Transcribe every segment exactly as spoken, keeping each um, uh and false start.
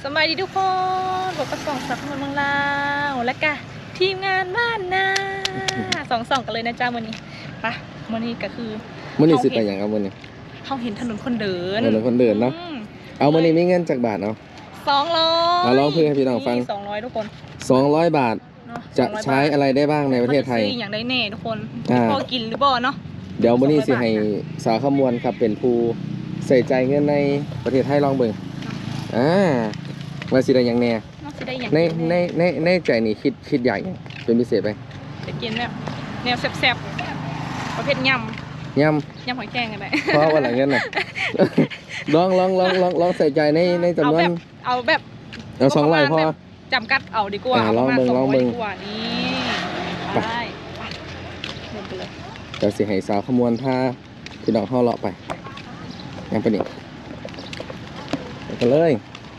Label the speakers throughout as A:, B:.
A: สบายดีทุกคนบอกกับสองสักคนเมืองลาวและกะทีมงานบ้านนาสองสองกันเลยนะจ้าวันนี้ปะวันนี้ก็คือ
B: มื่อนี้สิไปอย่างเอามื่อนี้
A: เขาเห็นถนนคนเดิน
B: ถนนคนเดินเนาะเอามื่อนี้มีเงินจากบาทเนาะ
A: สองร้อย
B: เอาลองเพื่อให้พี่น้องฟัง
A: สองร้อยทุกคน
B: สองร้อยบาทจะใช้อะไรได้บ้างในประเทศไทย
A: อย่างได้แน่ทุกคนพอกินหรือบ่เนาะ
B: เดี๋ยวมื่อนี้สิให้สาวขมวลครับเป็นผู้ใส่ใจเงินในประเทศไทยลองเบิ่งอ่าว่าสิได้อย่างแน่ในในในในใจนี่คิดคิดใหญ่เป็นพิเศษไป
A: จะกินแบบแนวแซ่บๆประเภทยำ
B: ย
A: ำยำหอยแครงกันไหม
B: เพราะว่าอะไรเงี้ยน่ะลองลองลองลองลองใส่ใจในในจำนวน
A: เอาแบบ
B: เอาสองร้อยพอ
A: จำกัดเอาดีกว่า
B: ลองเบิ่งลองเบิ่ง
A: ดีกว่านี่ได้เดินไปเลย
B: เดี๋ยวสิให้สาวขมวลพาพี่น้องเข้าเลาะไปยังไปนี่ไปเลย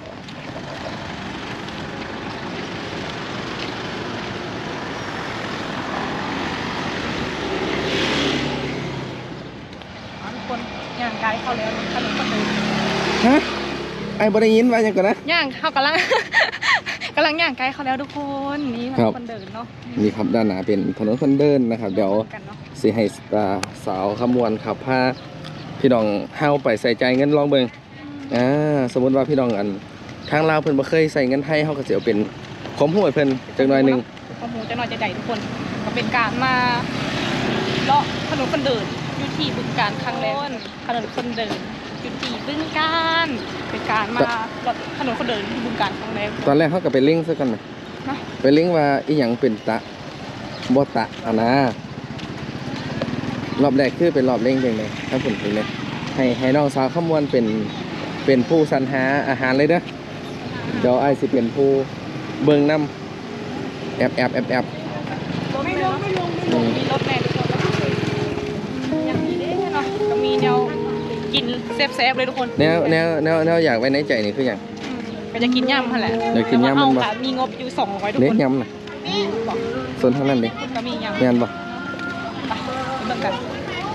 A: ย่างไกลเข้าแล้วถนนคนเดิน
B: ฮะไอ้บริยินว่าอย่างก่อนนะ
A: ย่างเข้ากำลังกำลังย่างไกลเข้าแล้วทุกคนนี่ถนนคนเดินเนาะ
B: นี่ครับด้านหน้าเป็นถนนคนเดินนะครับเดี๋ยวสิให้สาวขมวลขับพาพี่น้องเฮาไปใส่ใจเงินลองเบิ่งอ่าสมมติว่าพี่น้องอันทางลาวเพิ่นบ่เคยใส่เงินไทยเฮาก็สิเอาเป็นข้อมูลเพิ่นจักหน่อยนึง
A: ข้อมูลจักหน่อยจะได้ทุกคนก็เป็นการมาเลาะถนนคนเดินอยู่ที่บึงกาฬครั้งแรกถนนคนเดินอยู่ที่บึงกาฬเป็นการมาเลาะถนนคนเดินที่บึงกาฬครั้งแรก
B: ตอนแรกเฮาก็ไปลิงก์ซะกันน่ะไปลิงก์ว่าอีหยังเป็นตะบ่ตะอ่ะนะรอบแรกคือเป็นรอบเล่งเองเลยถ้าผลถึงเลยให้ให้น้องสาวขมวลเป็นเป็นผู้สรรหาอาหารเลยเด้อเดี๋ยวไอ้สิเป็นผู้เบิ่งนำแอบแอบแอบแอบ
A: ไม่ลงไม่ลงไม่ลงมีรถแม่ทุกคนยังมีได้เนาะก็มีแนวกินแซ่บๆเลยทุกคน
B: แนวแนวแนวแนวอยากไว้ในใจนี่คืออย่าง
A: ก็จะกินยำหั่นแหละ
B: อยากกินยำมันบ่
A: มีงบอยู่สองร้อยทุกคน
B: เล็กยำน่ะส่วนเท่านั้นดิ
A: ก็มียำ
B: แม่นบ่
A: เบิ่งกัน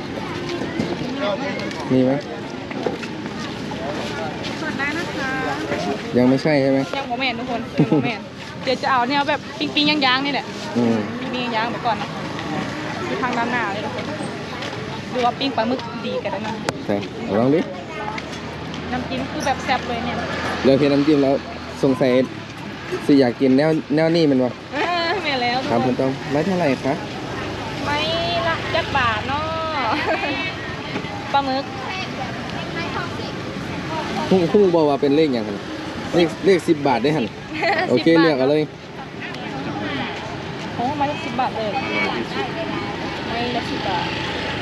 B: มีไหม
A: ส่วนได้นะคะ
B: ยังไม่ใช่ใช่ไหม
A: ยังโมเมนทุกคนโมเมนเดี๋ยวจะเอาเนี่ยแบบปิ้งปิ้งย่างๆนี่แหละปิ้งปิ้งย่างๆไปก่อนนะดูทางด้านหน้าเลยทุกคนดูว่าปิ้งปลาหมึกดีกันได้ไหม
B: ใช่ลองดิ
A: น้ำจิ้มคือแบบแซ่บเลยเนี่ย
B: เลือกเพียงน้ำจิ้มแล้วสงสัยสิอยากกินแนวแนวนี้มันวะ
A: ไม่แล้ว
B: ครับคุณต้องไม่เท่าไหร่คะ
A: ไม่ละจักบาทเนาะปลาหมึก
B: พุ่งพุ่งบอกว่าเป็นเลขอย่างไรเลขเลขสิบบาทได้หันโอเคเลือกเอาเลย
A: โอ้ไม่ละสิบบาทเลยไม่ละสิบบาท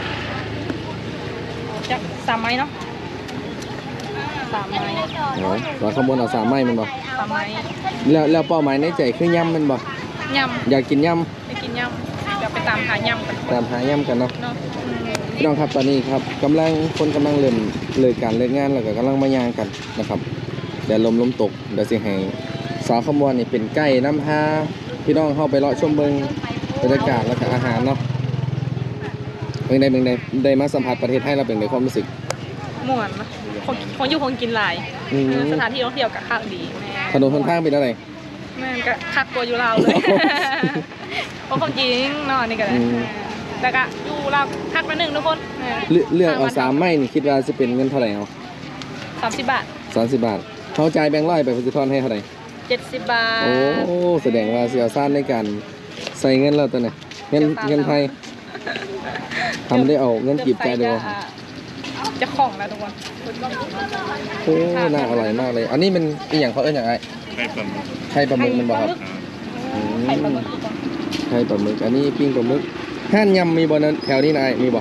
A: จักสามไม้เนาะสามไม้
B: เนาะเราขโมยเอาสามไม้มันบ่
A: สามไม้
B: แล้วแล้วเป้าหมายในใจคือยำมันบ่
A: ยำ
B: อยากกินย
A: ำไปกินยำเดี๋ยวไปตามหายำกัน
B: ตามหายำกันเนาะพี่น้องครับตอนนี้ครับกำลังคนกำลังเริ่มเลิกการเลิกงานแล้วก็กำลังมายางกันนะครับเดี๋ยวลมลมตกเดี๋ยวสิให้สาวขมวลนี่เป็นไก่น้ำพาพี่น้องเข้าไปเลาะชมเบิงบรรยากาศแล้วก็อาหารเนาะเป็นในเป็นในได้มาสัมผัสประเทศไทยเราเป็นในความรู้สึก
A: ม่วนนะคนคนอยู่คงกินหลายสถานที่ท่องเที่ยวกับข้างดี
B: ถนนคนทางเป็นอะไร
A: แม่ก็คักตัวอยู่ลาวเลยเพราะความจริงเนาะนี่ก็ได้แต่ก็อยู่ลาวคักมาหนึ่งทุกคน
B: เลือกเอาสามไม้นี่คิดว่าจะเป็นเงินเท่าไหร่เอา
A: สามสิบบาท
B: สามสิบบาทเขาจ่ายแบงค์ร้อยไปพุทธทอนให้เท่าไหร่
A: เจ็ดสิบบาท
B: โอ้แสดงว่าเสียซ่านในการใส่เงินเราตัวไหนเงินเงินไทยทำได้เอาเงินกีบใจดู
A: จะคล่องแล้วทุกคน
B: โอ้น่าอร่อยมากเลยอันนี้มันอีกอย่างเขาเอิ้นอย่างไรไข่ปลาหมึกมันบอกครับไข่ปลาหมึกไข่ปลาหมึกอันนี้ปิ้งปลาหมึกห้านยำมีบ่นั้นแถวนี้นายมีบ่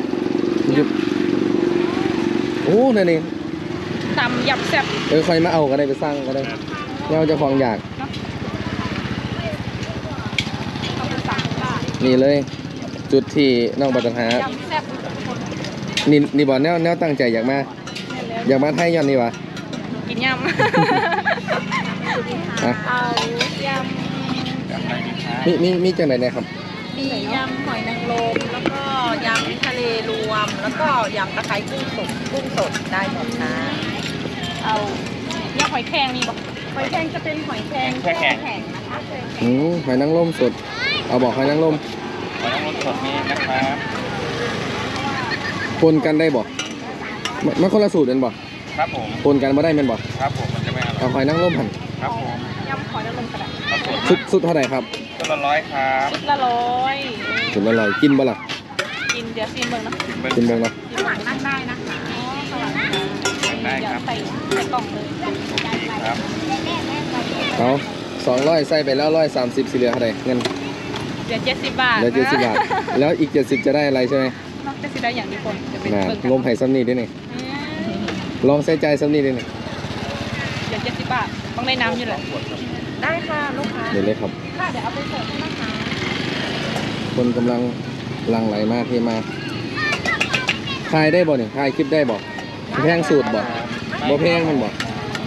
B: โอ้นั่นเอง
A: ตำยำแซ่บ
B: เออใครมาเอาก็ได้ไปสร้างก็ได้เราจะฟองอยากนี่เลยจุดที่น้องบัตรหานี่นี่บอกแนวแนวตั้งใจอยากมาอยากมาไทยย้อนนี่วะ
A: กินยำเอาย
B: ำมีมีมีจังไหนเนี่ยครับ
C: มียำหอยนางรมแล้วก็ยำทะเลรวมแล้วก็ยำตะไคร้กุ้งสดกุ้งสดได้หมดนะ
A: เอายำหอยแครงมีบ่
C: หอยแครงจะเป็นหอยแครงแช่แข็งนะคะ
B: อืมหอยนางรมสดเอาบอกหอยนางรม
D: หอยนางรมสดมีนะครับ
B: ปนกันได้บ่มันมันคนละสูตรเป็นบ่
D: ครับผม
B: ปนกันมาได้เป็นบ่
D: ครับผมมันจะไม่อร่
B: เอา
D: อย
B: หอยนางรมหั่น
D: ครับผม
A: ยำหอยนางรมกระดาษ
D: ครับผม
B: สุดสุดเท่าไหร่ครับ
D: ตัวละร้อยครับ
A: ชุดละร้อย
B: สุดอร่อยกินบ่ล่ะ
A: กินเดี๋ยวซีมเบิ่งเนาะ
D: เบิ้ง
B: กินเบิ่งเนาะ
A: ซีมหวานนั่งได้นะคะอ๋อสลัดค่ะ
D: ได้ครับ
A: ใส่ใส่กล่องเลย
D: ครับ
B: เอาสองร้อยใส่ไปแล้วร้อยสามสิบสี่เหลือเท่าไหร่เงิน
A: เดี๋ยวเจ็ดสิบบาท
B: เหลือเจ็ดสิบบาทแล้วอีกเจ็ดสิบจะได้อะไรใช่ไหม
A: นอกจากสิได้อย่างที่คนจะเป็น
B: น่ะ
A: เบิ่งกัน
B: งมไห่ซ้ำนี่ด้วยนี่
A: อืม
B: ลองใส่ใจซ้ำนี่ด้วยนี่
A: เดี๋ยวเจ็ดสิบบาทต้องได้น้ำอยู่แหละ
C: ได้ค่ะลูกค้า
B: เดี๋ยวเลยครับ
C: ค่ะเดี๋ยวเอาไปเสิร์ฟให้นะคะ
B: คนกำลังหลังไหลมาเทมาถ่ายได้บ่เนี่ยถ่ายคลิปได้บ่แพงสูตรบ่บ่แพงมันบ่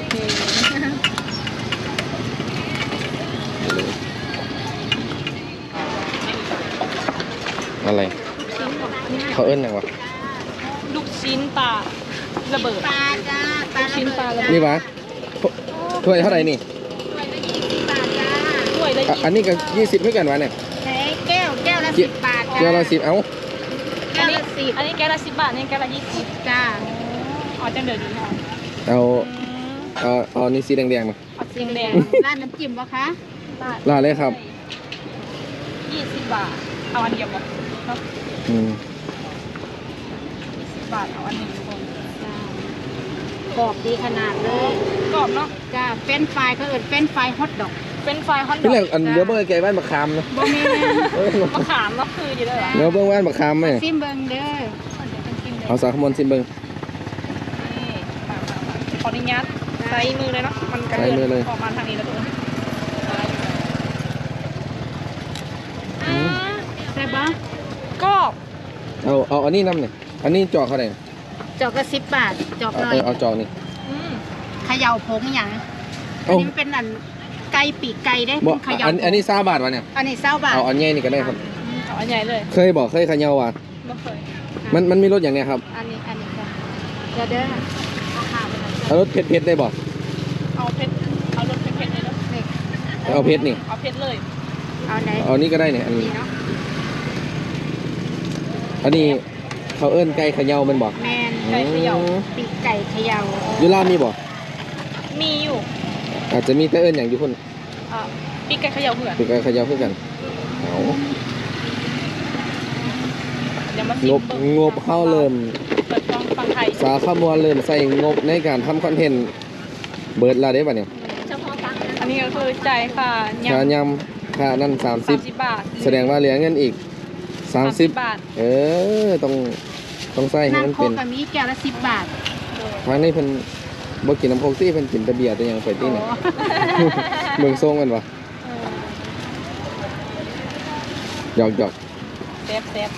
B: อะไรเขาเอิ้นหยังวะ
A: ลูกชิ้นปลาระเบิด
C: ปลาจ้าปลา
A: ลูกชิ้นปลาระเบิด
B: นี่วะถ้วยเท่าไหร่นี่
C: บาทจ้า
A: ถ้วยละ
B: อ่ะอันนี้ก็ยี่สิบเท่ากันวะเนี่ย
C: แค่แก้วแก้วละสิบบาทจ้า
B: เดี๋ยวเราสิบเอา
C: แก้วละสิบ
A: อันนี้แก้วละสิบบาทนี่แก้วละยี่สิบ
C: จ้า
A: อ๋อจังเดือดดีค่ะ
B: เอาเอาเอานี่สีแดงๆมา
A: เอาสีแดง
C: ร้านน้ำจิ้มปะคะ
B: ลาเลยครับ
A: ยี่สิบบาทเอาอันเดียวก่อนเนาะ
B: อืม
A: ยี่สิบบาทเอาอันหนึ่งทุกคน
C: จ้ากรอบดีขนาดเลย
A: กรอบเนาะ
C: จ้าเฟรนช์ฟรายเขาเอิญเฟรนช์ฟรายฮอทดอก
A: เป็นไฟฮอตด
B: พี่
A: อ
B: แหล่
A: ก
B: งอันเดี๋ยวเบอร์ไก่บ้านมะขามเนาะ
C: บ่แม่
B: เออ
A: มะขามเนาะคืออยู่ด้วยเหรอ
B: เดี๋ยวเบิ้งบ้านมะขามไหม
C: ซิมเบิงเด้อ
A: เดี๋ยวเป็นกินเดี๋ยว
B: เอาสาขมนซิมเบิ้ง
A: นี่มามามาขออนุญาตใส่มือเลยเนาะมันกระ
B: ใส่
A: เดื
B: มือเลย
A: ออกมาทางนี้แล้วทุกคน
B: อืม
C: ใช่ปะ
A: กรอบ
B: เอาเอาอันนี้น้ำเนี่ยอันนี้จอกเท่าไหร่
C: จอกละสิบบาทจอก
B: เอา
C: หน่อ
B: เอย อเอาจอกนี่
A: อืม
C: เขย่าผงอย่างอัน
B: เอ้า
C: นี้มันเป็นอันไก่ปีกไก่ได้
B: บ่
C: เป็นเขย่า
B: อันอันนี้ซาบาทวะเนี่ย
C: อันนี้เศร้าบาท
B: เอาอันใหญ่นี่ก็ได้ครับ
A: เอาอันใหญ่เลย
B: เคยบอกเคยเขยาวะ
A: ไม่เคย
B: มันมันมีรสอย่างเนี้ยครับ
C: อันนี้อันนี้จ้ะเดี๋ยวเด้อเอาขาไปหน่อย
B: เอารสเผ็ดๆได้บอก
A: เอาเผ็ดเอารสเผ็ดๆเลยเนาะ
C: นี่
B: เอาเผ็ดนี่
A: เอาเผ็ดเลย
C: เอาไหน
B: เอานี่ก็ได้เนี่ยอัน
C: นี่เนาะ
B: อันนี้เขาเอิ้นไก่เขยาวแมันบอก
C: แมน
A: ไก่เขย่า
C: ปีกไก่เขย่า
B: ยูรามีบอก
A: มีอยู่
B: อาจจะมีแต่เอิ้นอย่างอยู่คน
A: อ่าปีกไก่เขย่าเหือน
B: คือไก่เขยาวคือกันเอา
A: เดี๋ยวมาซิ
B: ง
A: ม
B: บ
A: เบิ่
B: งบเข้าเริ่ม
A: เปิดฟังฟังไทย
B: สาขมวลเริ่มใส่งบในการทำคอนเทนต์เบิร์ดละได้ป่ะเนี่ย
C: เฉพาะตังค์
A: อันนี้ก็คือจ่ายค่ะ
B: ค่าย
A: ำ
B: ยำค่านั่นสามสิ
A: สา
B: บ
A: มสิบบาท
B: แสดงว่าเหลือเงินอีกสามสิบบ
A: าท
B: เออต้องต้องใส่ให้
C: นั่ง
B: มัน
C: โค
B: เป็น
C: กกับมีแก้วละสิบบาท
B: ทางนี้เพิ่นบ่กินน้ำโคกซี่เพิ่นกินแต่เบียร์แต่ยังไปตี้เนี่ย
C: โอ้
B: เมืองทรงกันวะ
A: เออ
B: หยอกหยอก
A: แซ่บแซ่บ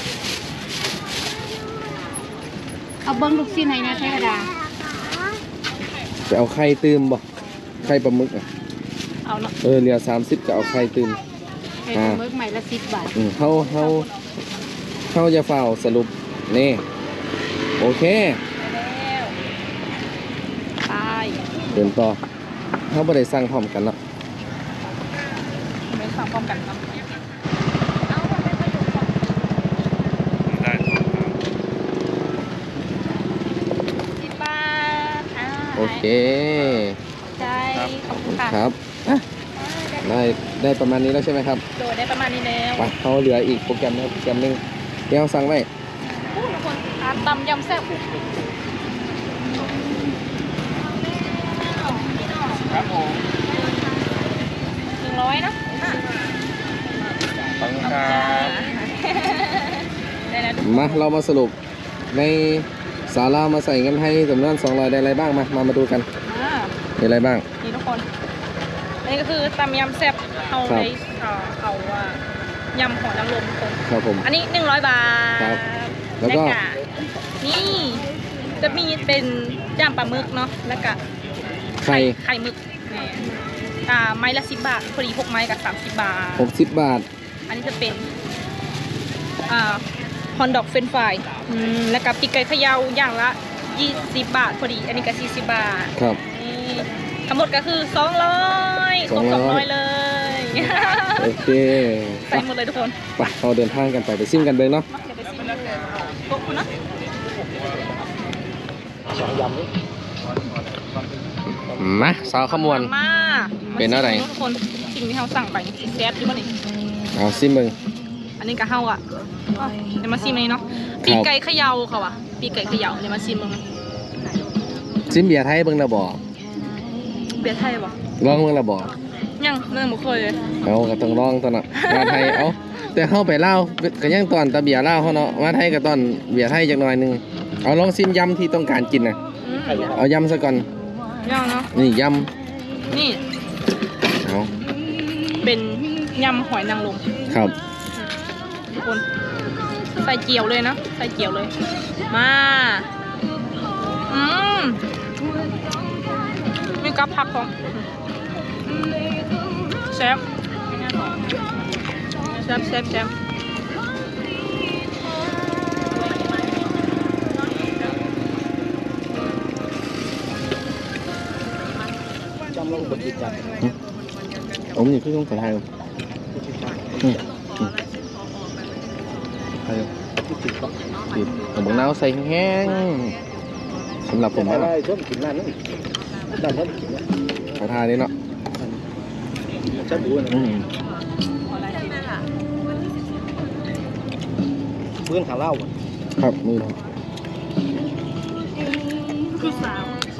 C: เอาเบิ้งลูกชิ้นให้นะเทวดา
B: จะเอาไข่ตื่มบ่ไข่ปลาหมึกอ่ะ
A: เอาเนาะ
B: เออเหลือสามสิบจะเอาไข่ตื่ม
C: ให้
B: อ่า
C: เบิ้งใหม่ละสิบบาท
B: อืมเฮาเฮาเฮาจะเฝ้าสรุปนี่โอเค
A: แล้วไป
B: เดินต่อเฮาบ่ได้สั่งพร้อมกันเนาะ
A: ไม่สั่งพร้อมกันครับ
D: ได้
A: สิบบาทอ่า
B: โอเค
A: ใช่ขอบคุณค่ะ
B: ครับอ่ะได้ได้ประมาณนี้แล้วใช่ไหมครับ
A: โดยได้ประมาณนี้แล้ว
B: ไปเขาเหลืออีกโปรแกรมนะครับโปรแกรมหนึงเดี๋ยวสั่งไว้
A: โอ้ทุกคนทานตำยำแซ่บ
D: ครับผม
A: หนึ่งร้อยนะ
D: ขอบคุณครับ
A: ได้แล้ว
B: มาเรามาสรุปในศาลามาใส่เงินให้จำนวนสองร้อยได้อะไรบ้างมามามาดูกัน
A: อ่า
B: มีอะไรบ้าง
A: นี่ทุกคน อันนี้ก็คือตำยำแซ่บเอา
B: ครับ
A: ในเอ่อเอาว่ายำหอยนางรมทุกคน
B: ครับผม
A: อันนี้หนึ่งร้อยบาท
B: ครับแล้วก็
A: ะนี่จะมีเป็นย่างปลาหมึกเนาะแล้วก็
B: ไข่
A: ไข่หมึกนี่อ่าไม้ละสิบบาทพอดีหกไม้กับสามสิบบาท
B: หกสิบบาท
A: อันนี้จะเป็นอ่าฮอนดอกเฟรนช์ฟรายอืมแล้วก็ปีกไก่เขยาวอย่างละยี่สิบบาทพอดี อันนี้ก็สี่สิบบาท
B: ครับ
A: นี่ทั้งหมดก็คือสองร้อยครบสองร้อยเลย
B: โอเค
A: ใส่หมดเลยทุกคน
B: ไปเราเดินทางกันไปไปซิมกันเลยเนาะ
A: มาเดี๋ยวไปซิมโต๊ะคุณนะ
B: มาสาวขมวน
A: มา
B: เป็นอะไร
A: มาซิมทุกคนสิ่งที่เราสั่งไปนี่แซ่บอยู่ป่ะนี่
B: เอาซิมเบิง
A: อันนี้ก็เฮาอ่ะอ้าวเดี๋ยวมาซิมอันนี้เนาะปีกไก่เขย่าเขาอ่ะปีกไก่เขย่าเดี๋ยวมาซิมมึง
B: ซิมเบียร์ไทยเบิงระบอ
A: เบียร์ไทยป่ะ
B: ลองเบิงระบอ
A: ยังเรื่องบ่เคยเลย
B: เอาก็ต้องลองตอนน่ะมาไทยเอาแต่เข้าไปเล่าวก็ยังตอนตะเบียร์เล่าวเขาเนาะมาไทยก็ตอนเบียร์ไทยจักหน่อยหนึงเอาลองซิมยำที่ต้องการกินนะ
A: อืม
B: เอายำซะก่อน
A: ยังเนาะ
B: นี่ย
A: นี่
B: ำเอา
A: เป็นยำหอยนางรม
B: ครับ
A: ทุกคนใส่เจียวเลยนะใส่เจียวเลย มาอืมมีกับผักของแซ่บแซ่บแซ่บแซ่บ
B: ผมนี่คือต้องไปไทยอืมอืมไทยติดผมบอกน้าวใส่แห้งๆสำหรับผมนะ
E: ได้ส้มกินร้านนั้นด้านนั้นกินนะ
B: ขอทานนี้เนาะ
E: ชาบูนะ
B: อืม
E: เพื่อนขาเล่า
B: ครับมือ
A: คือสาว
B: อ